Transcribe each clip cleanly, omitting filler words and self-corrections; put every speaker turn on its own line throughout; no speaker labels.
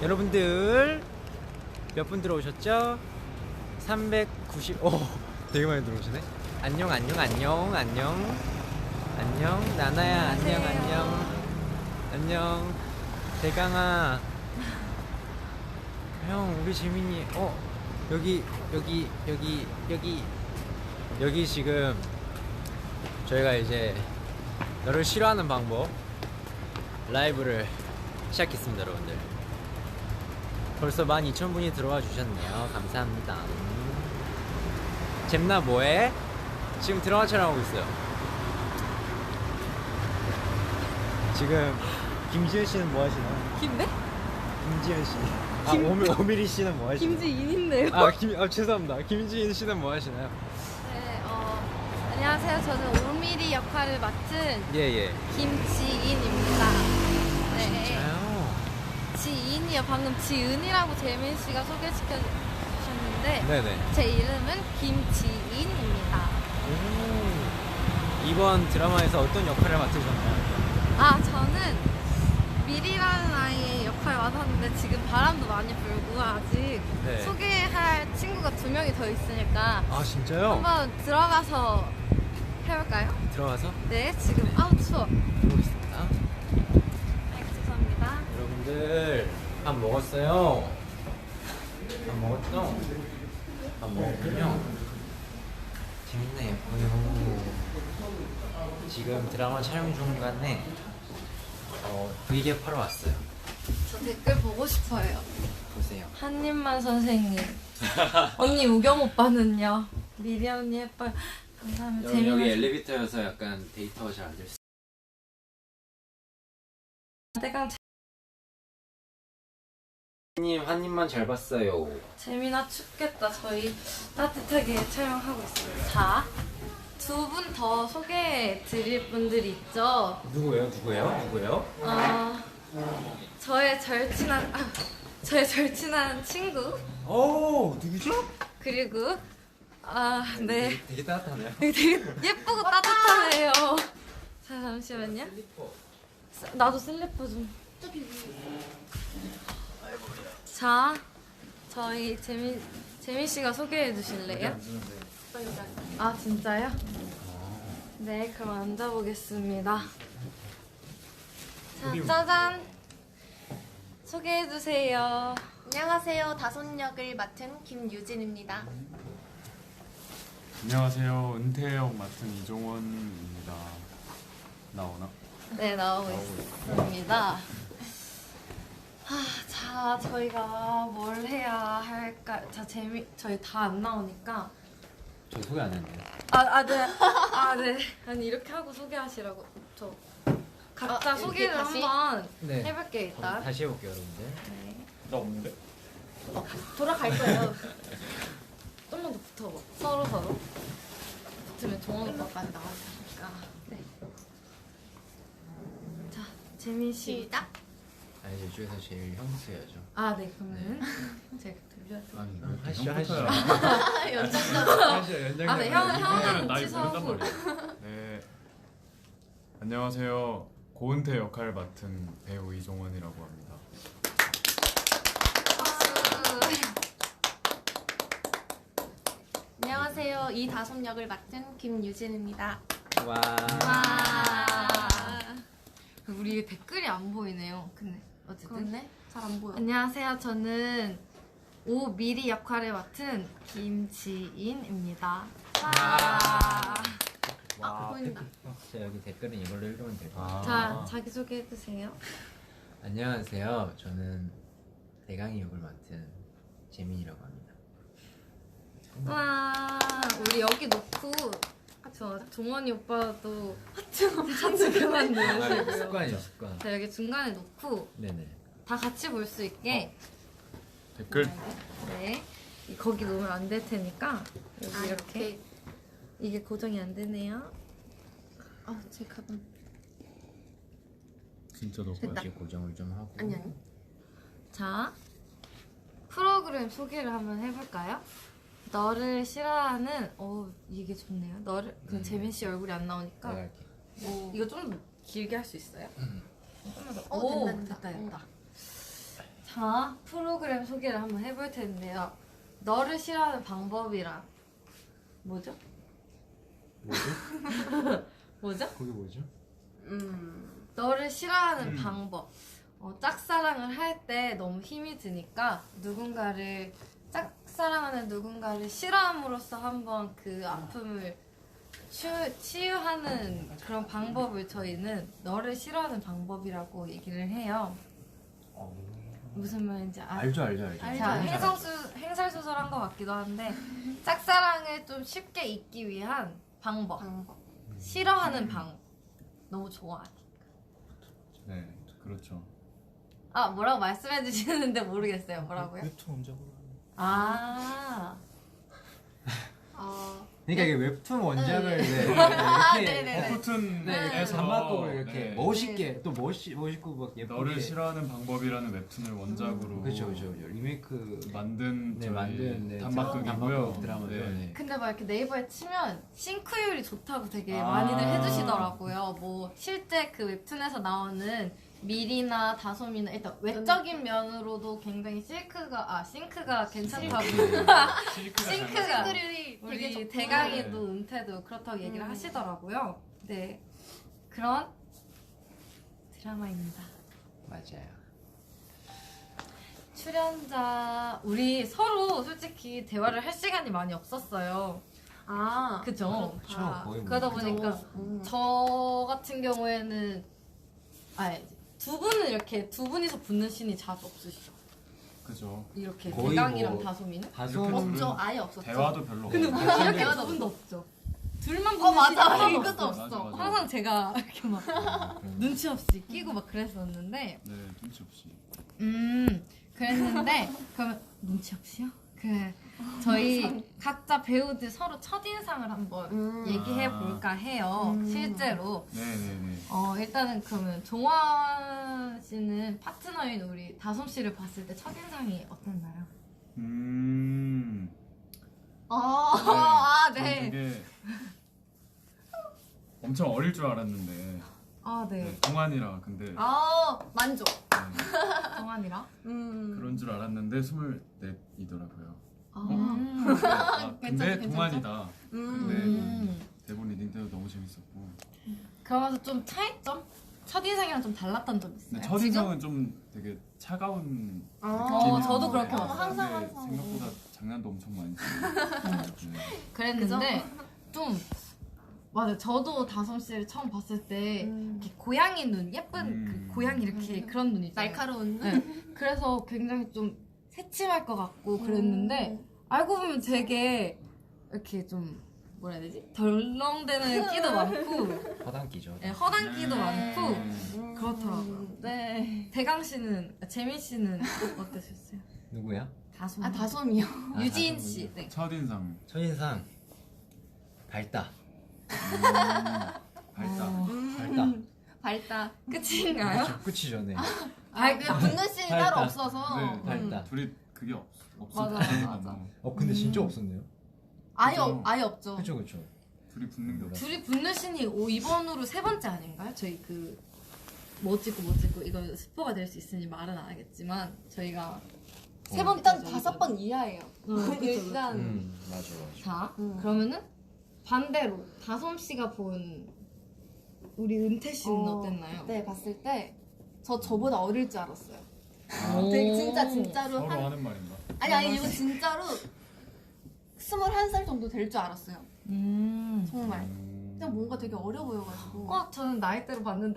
여러분들 몇 분 들어오셨죠? 390. 오, 되게 많이 들어오시네. 안녕 안녕 안녕 안녕 안녕 나나야. 안녕 안녕 안녕 대강아. 형 우리 재민이 여기 지금 저희가 이제 너를 싫어하는 방법 라이브를 시작했습니다. 여러분들 벌써 12,000분이 들어와 주셨네요. 감사합니다. 잼나 뭐해? 지금 드라마 촬영하고 있어요. 지금 김지현 씨는 뭐 하시나요?
김네?
김지현 씨. 오미리 씨는 뭐 하시나요?
김지인인데요.
죄송합니다. 김지인 씨는 뭐 하시나요?
네, 안녕하세요. 저는 5mm 역할을 맡은
예.
김지인입니다. 네.
진짜요?
지인이요. 방금 지은이라고 재민 씨가 소개시켜 주셨는데
네네.
제 이름은 김지인입니다.
오. 이번 드라마에서 어떤 역할을 맡으셨나요?
저는 미리라는 아이의 역할을 맡았는데 지금 바람도 많이 불고 아직
네.
소개할 친구가 2명이 더 있으니까
아 진짜요?
한번 들어가서 해볼까요?
들어가서
네, 지금 추워.
해보겠습니다.
죄송합니다.
여러분들 밥 먹었어요? 밥 먹었죠? 밥 먹었군요. 재밌네. 예뻐요. 지금 드라마 촬영 중간에 브이앱 하러 왔어요.
저 댓글 보고 싶어요.
보세요.
한입만 선생님. 언니 우경 오빠는요? 미리 언니 예뻐요. 감사합니다.
여기
재밌는
엘리베이터여서 약간 데이터가 잘 안 될 수.
대강
님 한 입만 잘 봤어요.
재민아 춥겠다. 저희 따뜻하게 촬영하고 있습니다. 자, 2분 더 소개해 드릴 분들이 있죠.
누구예요?
저의 절친한 친구.
오, 누구죠?
그리고 네.
되게 따뜻하네요.
되게 예쁘고 따뜻하네요. 자, 잠시만요. 나도 슬리퍼 좀. 자, 저희 재민 씨가 소개해 주실래요? 아, 진짜요? 네, 그럼 앉아보겠습니다. 자, 짜잔. 소개해 주세요.
안녕하세요. 다솜 역을 맡은 김유진입니다.
안녕하세요. 은퇴역 맡은 이종원입니다. 나오나?
네, 나오고 있습니다. 자, 저희가 뭘 해야 할까? 자, 저희 다 안 나오니까.
저 소개 안 했네요.
네. 아니, 이렇게 하고 소개하시라고. 저 각자 소개를
다시?
한번
네.
해볼게요, 일단.
다시 해볼게요, 여러분들.
네.
나 없는데?
돌아갈 거예요. 좀만 더 붙어봐. 서로. 붙으면 종원 오빠까지 나와주니까. 네. 자, 재민 씨.
시작.
아니, 이쪽에서 제일 형수여야죠.
네, 그러면은 제가 돌려드릴게요.
하시죠.
연장자.
네, 형은
나이
취소하고.
모른단 말이야. 네. 안녕하세요. 고은태 역할 맡은 배우 이종원이라고 합니다.
안녕하세요. 이다솜 역을 맡은 김유진입니다.
와.
우리 댓글이 안 보이네요. 근데 어쨌든.
그렇네. 잘 안 보여.
안녕하세요. 저는 5mm 역할을 맡은 김지인입니다.
보인다.
자, 여기 댓글은 이걸로 읽으면 될 것 같아요.
자, 자기소개 해주세요.
안녕하세요. 저는 대강이 역을 맡은 재민이라고 합니다.
와, 우리 여기 놓고 종원이 오빠도 하트 그만 넣으시고요.
습관.
자, 여기 중간에 놓고
네네.
다 같이 볼 수 있게
댓글
네, 거기 놓으면 안 될 테니까 여기 이렇게 이게 고정이 안 되네요.
제 가방.
진짜 너
됐다.
이제 고정을 좀 하고.
아니.
자, 프로그램 소개를 한번 해볼까요? 너를 싫어하는 이게 좋네요. 너를 재민 씨 얼굴이 안 나오니까
내가 할게.
이거 좀 길게 할 수 있어요? 조금만 더.
된다.
됐다. 자, 프로그램 소개를 한번 해볼 텐데요. 너를 싫어하는 방법이란 뭐죠?
뭐죠?
뭐죠?
그게 뭐죠?
너를 싫어하는 방법. 짝사랑을 할 때 너무 힘이 드니까 짝사랑하는 누군가를 싫어함으로써 한번 그 아픔을 치유하는 그런 방법을 저희는 너를 싫어하는 방법이라고 얘기를 해요. 무슨 말인지
알죠.
자, 행설수설한 것 같기도 한데 짝사랑을 좀 쉽게 잊기 위한 방법. 싫어하는 방법. 너무 좋아하니까.
네, 그렇죠.
뭐라고 말씀해 주시는데 모르겠어요. 뭐라고요?
웹툰 원작으로. 그러니까 이게 웹툰 원작을
네네네.
포튼에서
단막극으로 이렇게
네.
멋있게 또 멋있고 막 예쁘게.
너를 싫어하는 방법이라는 웹툰을 원작으로
그렇죠. 리메이크
만든
네,
저희
만든
단막극이고요.
단막극 드라마죠. 네.
근데 막 이렇게 네이버에 치면 싱크율이 좋다고 되게
아.
많이들 해주시더라고요. 뭐 실제 그 웹툰에서 나오는 밀이나 다솜이나 일단 외적인 면으로도 굉장히 싱크가 괜찮다고 싱크가
싱크율이 되게
우리
좋고.
대강이도 은퇴도 그렇다고 얘기를 하시더라고요. 네, 그런 드라마입니다.
맞아요.
출연자 우리 서로 솔직히 대화를 할 시간이 많이 없었어요. 그죠?
그렇죠. 거의 뭐.
그러다 보니까 저 같은 경우에는 두 분이서 붙는 씬이 자주 없으시죠?
그죠.
이렇게
거의
대강이랑
뭐
다솜이는?
다솜
없죠. 아예 없었죠.
대화도 별로
근데
없고.
우리 이렇게 두 분도 없죠. 둘만 붙는 씬이
맞아.
하나도
이것도
없어.
없어. 맞아.
항상 제가 이렇게 막 눈치 없이 끼고 막 그랬었는데
네, 눈치 없이.
그랬는데 그러면 눈치 없이요? 저희 각자 배우들 서로 첫인상을 한번 얘기해 볼까 해요. 실제로.
네네네.
일단은 그러면 종원 씨는 파트너인 우리 다솜 씨를 봤을 때 첫인상이 어땠나요?
저는
네.
되게 엄청 어릴 줄 알았는데
네.
네, 동안이라 근데
만족.
네,
동안이랑?
그런 줄 알았는데 24이더라고요.
괜찮다.
근데 동안이다. 근데
음.
대본 리딩 때도 너무 재밌었고.
그러면서 좀 차이점? 첫인상이랑 좀 달랐던 점 있어요?
근데 첫인상은 좀 되게 차가운
저도 그렇게
근데
봤어요.
항상.
생각보다 장난도 엄청 많이 치고. 네.
그랬는데 좀 맞아요. 저도 다솜 씨를 처음 봤을 때 이렇게 고양이 눈 예쁜 그 고양이 이렇게 그런 눈 있잖아요.
날카로운.
네. 그래서 굉장히 좀 새침할 것 같고 그랬는데 알고 보면 되게 이렇게 좀 뭐라 해야 되지? 덜렁대는 끼도 많고
허당끼죠.
네, 허당끼도 많고 그렇더라고요.
네.
대강 씨는 재민 씨는 어떠셨어요?
누구야?
다솜.
다솜이요.
유지인
다솜.
씨. 네.
첫인상
첫인상 밝다.
밝다.
밝다.
끝인가요?
끝이죠, 네.
그냥 붙는 씬이
밝다.
따로 없어서.
네,
밝다.
둘이 그게
맞아,
맞아.
근데 진짜 없었네요.
아예 없죠.
그쵸.
둘이 붙는 게 없어.
둘이 붙는 씬이 이번으로 세 번째 아닌가요? 저희 뭐 찍고 이거 스포가 될 수 있으니 말은 안 하겠지만 저희가 세 번째
일단 5번 이하예요. 일단.
맞아.
자 그러면은 반대로 다솜 씨가 본 우리 은퇴 씨는 어땠나요?
그때 봤을 때 저보다 어릴 줄 알았어요.
오.
되게 진짜로
서로 하는 말인가?
아니 이거 진짜로 21살 정도 될 줄 알았어요. 정말. 그냥 뭔가 되게 어려 보여가지고.
저는 나이대로 봤는데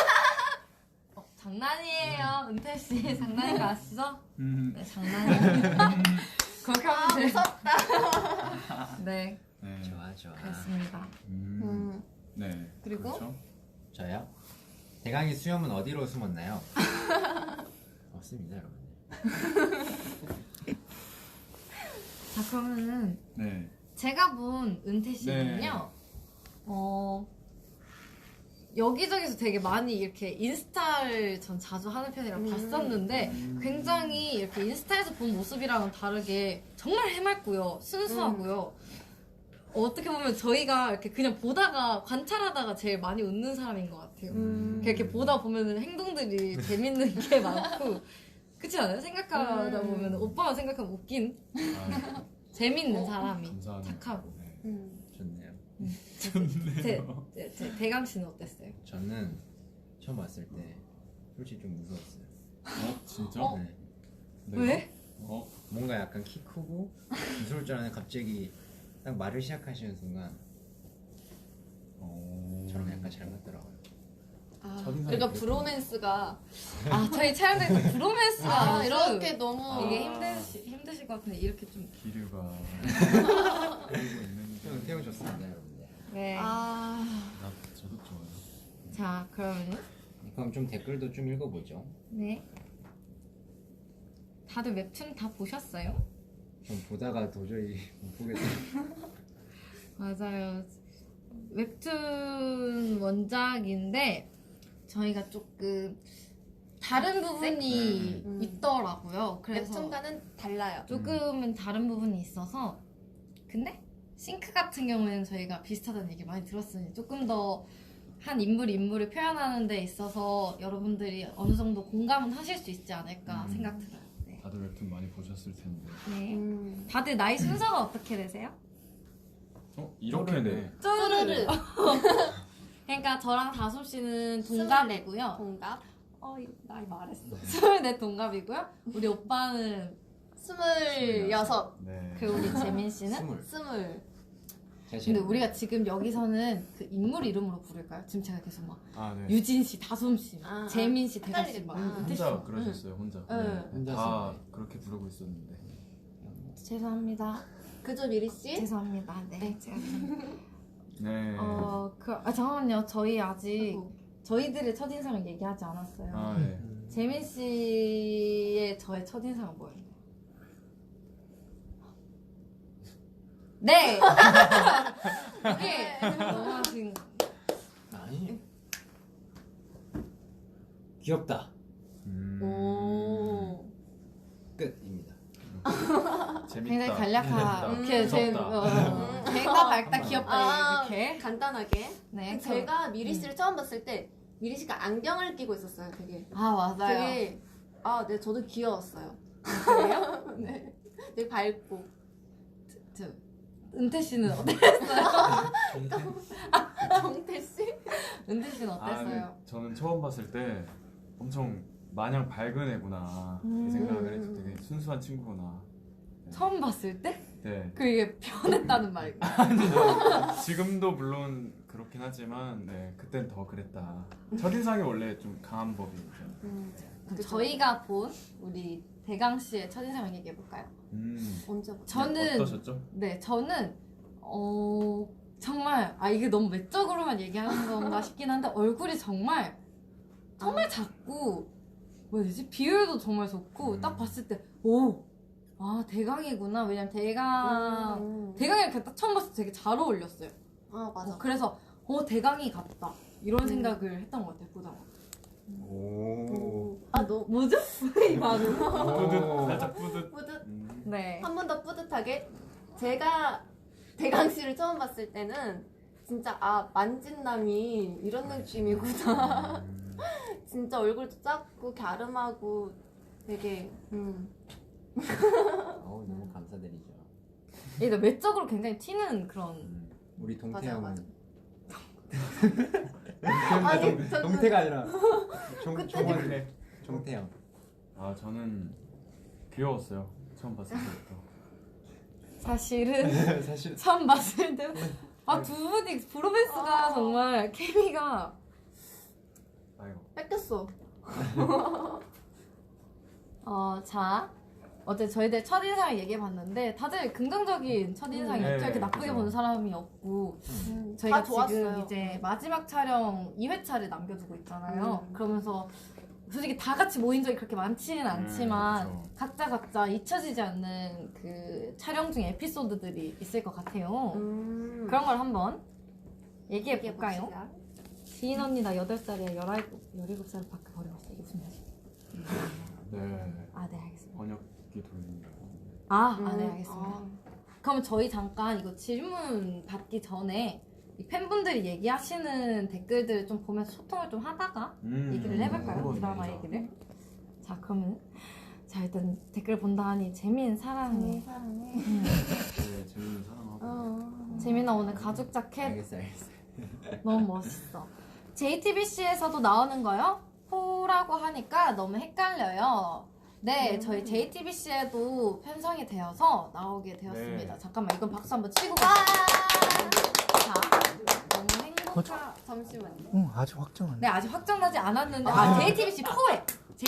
장난이에요. 은퇴 씨 장난인 거 아시죠? 네 장난이에요. 그렇게 하면 돼요.
무섭다.
네
네.
좋아.
그렇습니다.
네.
그리고?
그렇죠?
저요? 대강이 수염은 어디로 숨었나요? 없습니다, 여러분.
자 그러면은
네.
제가 본 은퇴 씨는요. 여기저기서 되게 많이 이렇게 인스타를 전 자주 하는 편이라 봤었는데 굉장히 이렇게 인스타에서 본 모습이랑은 다르게 정말 해맑고요. 순수하고요. 어떻게 보면 저희가 이렇게 그냥 보다가 관찰하다가 제일 많이 웃는 사람인 것 같아요. 이렇게 보다 보면 행동들이 재밌는 게 많고 그렇지 않아요? 생각하다 보면 오빠가 생각하면 웃긴
아,
재밌는 사람이
감사합니다.
착하고.
네.
좋네요.
대강 씨는 어땠어요?
저는 처음 왔을 때 솔직히 좀 무서웠어요.
진짜?
네.
왜?
뭔가 약간 키 크고 무서울 줄 알았는데 갑자기 딱 말을 시작하시는 순간 저랑 약간 잘 맞더라고요.
첫인상이
그러니까
그랬구나.
브로맨스가
저희 촬영장에서 브로맨스가
이렇게 너무
이게 힘드실 것 같은데 이렇게 좀
기류가 흐르고 있는 게.
태용 좋습니다, 여러분들.
네.
저도 좋아요.
자 그러면은
그럼 좀 댓글도 좀 읽어보죠.
네. 다들 웹툰 다 보셨어요?
좀 보다가 도저히 못 보겠어요.
맞아요. 웹툰 원작인데 저희가 조금 다른 부분이
네?
있더라고요. 그래서
웹툰과는 달라요.
조금은 다른 부분이 있어서 근데 싱크 같은 경우에는 저희가 비슷하다는 얘기 많이 들었으니 조금 더 한 인물을 표현하는 데 있어서 여러분들이 어느 정도 공감은 하실 수 있지 않을까 생각 들어요. 네.
다들 웹툰 많이 보셨을 텐데.
네. 다들 나이 순서가 어떻게 되세요?
이렇게네.
쪼르르
그러니까 저랑 다솜 씨는 동갑이고요.
동갑
이거 나이 말했어. 24 동갑이고요. 우리 오빠는
26
네.
그 우리 재민 씨는
20
근데 우리가 지금 여기서는 그 인물 이름으로 부를까요? 지금 제가 계속 막
네.
유진 씨, 다솜 씨,
아,
재민 씨, 대가 씨
헷갈리겠다.
막 은퇴 씨.
혼자 그러셨어요, 혼자.
네.
다 그렇게 부르고 있었는데.
죄송합니다.
그죠 미리씨?
죄송합니다. 네, 제가
네.
잠깐만요. 저희 아직
아이고.
저희들의 첫인상을 얘기하지 않았어요.
네.
재민 씨의 저의 첫인상은 뭐였나요? 네. 이게 너무하신.
아니 귀엽다.
오
끝입니다.
재밌다.
굉장히 간략한 이렇게
무섭다.
재밌다, 밝다, 귀엽다 이렇게.
간단하게
네.
제가 미리 씨를 처음 봤을 때 미리 씨가 안경을 끼고 있었어요. 되게
맞아요.
되게 네 저도 귀여웠어요. 그래요? 네. 되게 밝고
은퇴 씨는
정태 씨?
은퇴 씨는 어땠어요?
네. 저는 처음 봤을 때 엄청 마냥 밝은 애구나 이 생각을 했죠. 되게 순수한 친구구나.
처음 봤을 때?
네.
그게 변했다는 말이고.
지금도 물론 그렇긴 하지만 그땐 더 그랬다. 첫인상이 원래 좀 강한 법이죠.
그럼 저희가 본 우리 대강 씨의 첫인상을 얘기해 볼까요?
언제 봤어요?
저는
어떠셨죠?
네, 저는 정말 이게 너무 외적으로만 얘기하는 건가 싶긴 한데 얼굴이 정말 작고 뭐야 되지? 비율도 정말 좋고 딱 봤을 때 대강이구나. 왜냐면 대강이랑 이렇게 딱 처음 봤을 때 되게 잘 어울렸어요.
맞아.
그래서 대강이 같다 이런 생각을 했던 것 같아요. 보다가.
오.
너
뭐죠? 이 반응.
뿌듯, 살짝 뿌듯.
뿌듯
네.
한 번 더 뿌듯하게 제가 대강 씨를 처음 봤을 때는 진짜 만진남이 이런 느낌이구나. 진짜 얼굴도 작고 갸름하고 되게
너무 감사드리죠.
얘가 외적으로 굉장히 튀는 그런.
우리
맞아요,
동태형은
맞아.
동태가 아니라
그때
종태형.
저는 귀여웠어요. 처음 봤을 때부터.
사실은
사실
처음 봤을 때 두 분이 브로맨스가 정말 케미가
아이고.
뺏겼어.
자 어제 저희들 첫인상을 얘기해봤는데 다들 긍정적인 첫인상이었죠.
네,
이렇게 나쁘게
그죠.
보는 사람이 없고
다
저희가
좋았어요.
지금 이제 마지막 촬영 2회차를 남겨두고 있잖아요.
음.
그러면서 솔직히 다 같이 모인 적이 그렇게 많지는 않지만
그쵸.
각자 잊혀지지 않는 그 촬영 중 에피소드들이 있을 것 같아요. 그런 걸 한번 얘기해볼까요?
얘기해봅시다.
지인 언니 나 8살이야 17살 밖에 버려봤어. 이게 무슨 말이지?
네.
네 알겠습니다.
번역기 돌린다.
네 알겠습니다. 그러면 저희 잠깐 이거 질문 받기 전에 이 팬분들이 얘기하시는 댓글들을 좀 보면서 소통을 좀 하다가 얘기를 해볼까요? 드라마 얘기를. 자 그러면 어쨌든 댓글 본다 하니 재민 사랑해.
사랑해.
네, 재밌는 사랑하고.
재민아 오늘 가죽 자켓
알겠어.
너무 멋있어. JTBC에서도 나오는 거요? 호라고 하니까 너무 헷갈려요. 네, 저희 JTBC에도 편성이 되어서 나오게 되었습니다.
네.
잠깐만, 이건 박수 한번 치고 가. 자, 너무 행복하.
잠시만요.
응, 아직 확정 안
네, 아직 확정나지 않았는데, JTBC 포에.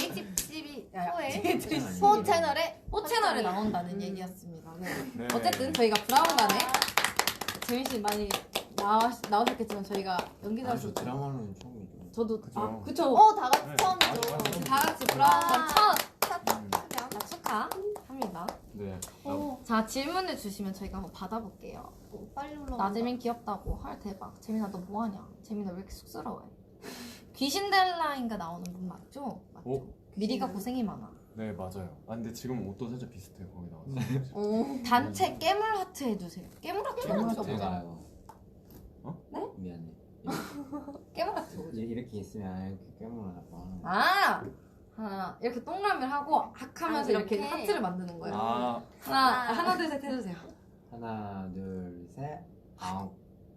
JTBC
포 채널에
포 채널에 나온다는 얘기였습니다. 네.
네.
어쨌든 저희가 브라운관에 재민 씨 많이 나오셨겠지만 저희가 연기자로
저 드라마는 처음이죠.
저도
그죠.
그쵸.
다 같이
네.
처음이죠.
다 같이 브라운관 첫
음,
축하합니다.
네.
자, 질문을 주시면 저희가 한번 받아볼게요.
빨리 올라.
나재민 귀엽다고. 헐 대박. 재민아 너 뭐하냐? 재민아 왜 이렇게 쑥스러워해? 귀신델라인가 나오는 분 맞죠? 맞죠?
오.
미리가 고생이 많아.
네, 맞아요. 아, 근데 지금 옷도 살짝 비슷해요. 거기 나왔어요.
단체 깨물 하트 해주세요. 깨물 하트 뭐죠?
제가
네?
미안해.
깨물 하트 뭐죠?
이렇게 있으면 이렇게 깨물어나 봐.
아! 하나 이렇게 동그라미를 하고 악 하면서
아,
이렇게
이렇게?
하트를 만드는 거예요.
아,
하나 둘 셋 해주세요.
하나, 둘, 셋, 아홉.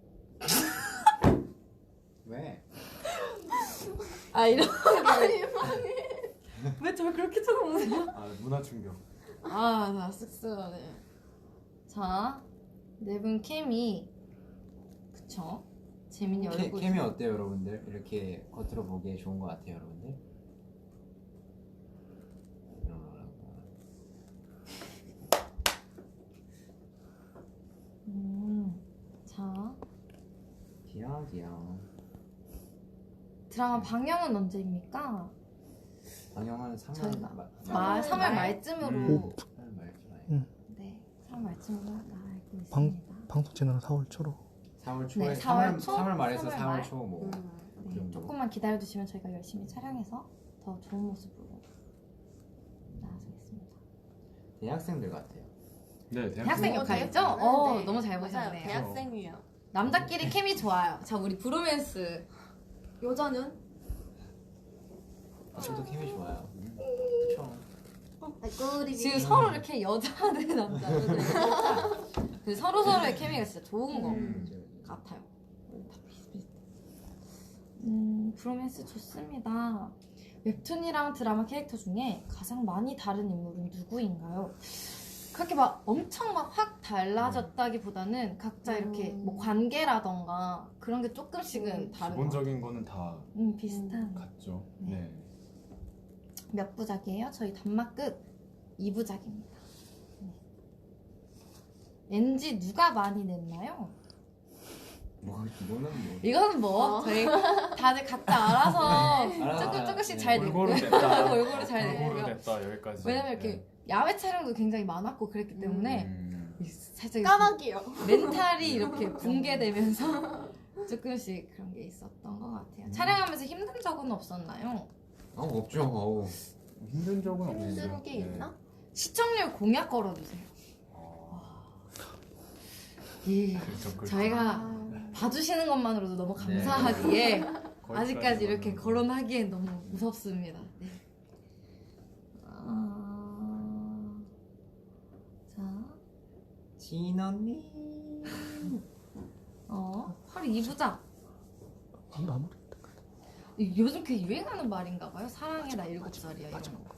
왜?
아 이런 왜 저를 그렇게 쳐다보세요?
아 문화 충격.
나 쑥스러워네. 자, 네 분 케미 그쵸? 재민이 얼굴
케미 어때요, 여러분들? 이렇게 겉으로 보기에 좋은 것 같아요, 여러분들?
자,
귀여워.
드라마 방영은 언제입니까?
방영은
저희가
3월
3월 말쯤으로
3월 말쯤에.
네, 3월 말쯤으로 알고 있습니다.
방송 채널은 4월 초로.
4월 초에
네, 4월 초?
3월 말에서
3월
4월
말.
초 뭐. 그
네,
정도.
조금만 기다려주시면 저희가 열심히 촬영해서 더 좋은 모습으로 나아가겠습니다.
대학생들 같아요.
네,
대학생 역할이죠?
네.
너무 잘
맞아요.
보셨네요.
대학생이에요.
남자끼리 케미 좋아요. 자, 우리 브로맨스.
여자는?
저도 케미 좋아요. 그쵸.
지금 서로 이렇게 여자 대 남자. 그 서로의 케미가 진짜 좋은 거 같아요. 다 비슷비슷해. 브로맨스 좋습니다. 웹툰이랑 드라마 캐릭터 중에 가장 많이 다른 인물은 누구인가요? 그렇게 막 엄청 막 확 달라졌다기보다는 각자 이렇게 뭐 관계라던가 그런 게 조금씩은 다른 거
기본적인 거는 다
비슷한
같죠.
네.
네.
몇 부작이에요? 저희 단막극 2부작입니다. NG 누가 많이 냈나요?
이거는 뭐.
이거는 뭐 저희 다들 각자 알아서
알아서,
조금씩
네.
잘
골고루
내고요.
냈다.
골고루 잘
골고루
내고요.
냈다 여기까지.
왜냐면 이렇게 야외 촬영도 굉장히 많았고 그랬기 때문에 살짝 이렇게
까마귀요.
멘탈이 이렇게 붕괴되면서 조금씩 그런 게 있었던 것 같아요. 촬영하면서 힘든 적은 없었나요?
없죠. 어우.
힘든 적은 없는데.
힘든 게 있나?
시청률 공약 걸어주세요. 예,
그렇죠.
저희가 봐주시는 것만으로도 너무 감사하기에
거기까지
아직까지 이렇게
왔는데.
거론하기엔 너무 무섭습니다. 네. 자,
진 언니.
헐 이부작.
마무리.
요즘 그 유행하는 말인가 봐요. 사랑해 나 7살이야 이런 거.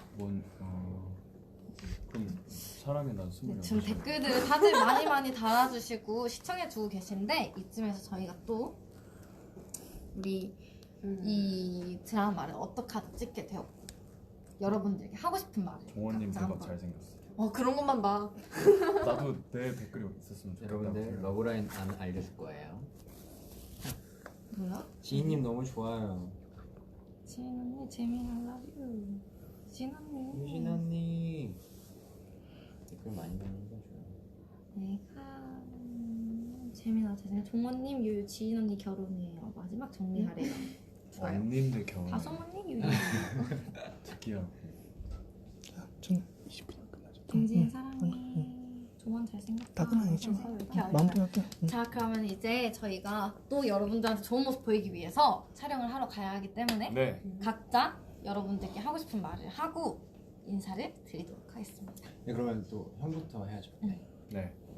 그럼 사랑해 난 26.
네, 지금 댓글들을 다들 많이 달아주시고 시청해주고 계신데 이쯤에서 저희가 또 우리 이 드라마를 어떻게 하다 찍게 되었고 여러분들에게 하고 싶은 말을
종원님
각자
대박
한번.
잘생겼어.
그런 것만 봐.
나도 내 댓글이 있었으면 좋겠다.
여러분들 러브라인 안 알려줄 거예요.
뭐야?
지인님 너무 좋아요.
지인 언니 재민 I love you. 지인 언니.
유진 언니. 댓글 많이 남겨줘요.
내가 재민아 재민 종원님 유유 지인 언니 결혼해요. 마지막 정리하래요. 좋아요.
언님들 겨우
다솜언니 유유.
특이하고.
전 20분 끝나죠.
징징 사랑해. 종원 잘생겼다.
답은 아니죠.
이렇게 알죠.
마무리 할게요.
자 그러면 이제 저희가 또 여러분들한테 좋은 모습 보이기 위해서 촬영을 하러 가야 하기 때문에
네.
각자 여러분들께 하고 싶은 말을 하고 인사를 드리도록 하겠습니다.
네, 그러면 또 형부터 해야죠.
네.